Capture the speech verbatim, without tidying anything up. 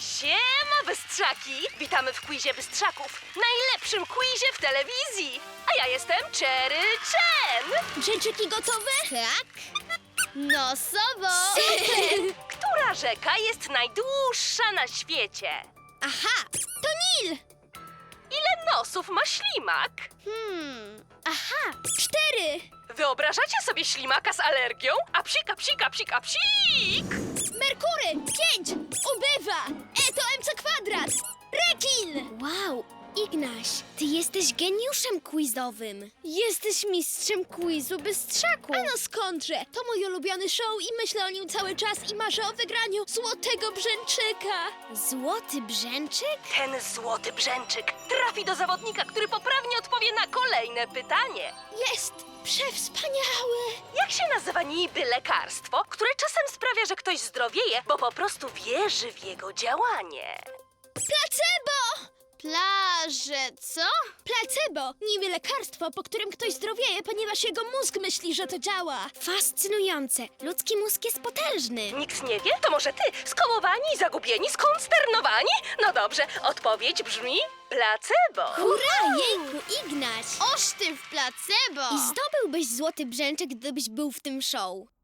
Siema, Bystrzaki! Witamy w quizie Bystrzaków, najlepszym quizie w telewizji. A ja jestem Cherry Chen. Brzęczyki gotowe? Tak? No, sobo! Która rzeka jest najdłuższa na świecie? Aha, to Nil! Ile nosów ma ślimak? Hmm, Aha, cztery! Wyobrażacie sobie ślimaka z alergią? A psika, psika, psika, psik! Merkury, pięć! Ubywa! E to mc kwadrat! Rekin! wow, Ignaś, ty jesteś geniuszem quizowym. Jesteś mistrzem quizu Bystrzaku. A no skądże? To mój ulubiony show i myślę o nim cały czas i marzę o wygraniu złotego brzęczyka. Złoty brzęczyk? Ten złoty brzęczyk trafi do zawodnika, który poprawnie odpowie na kolejne pytanie. Jest przewspaniały! Jak się nazywa niby lekarstwo, które czasem sprawia, że ktoś zdrowieje, bo po prostu wierzy w jego działanie? Placebo! Plaże, co? Placebo! Niby lekarstwo, po którym ktoś zdrowieje, ponieważ jego mózg myśli, że to działa. Fascynujące. Ludzki mózg jest potężny. Nikt nie wie? To może ty? Skołowani, zagubieni, skonsternowani? No dobrze, odpowiedź brzmi placebo. Hurra, jejku, Ignaś! Oż ty w placebo! I zdobyłbyś złoty brzęczyk, gdybyś był w tym show.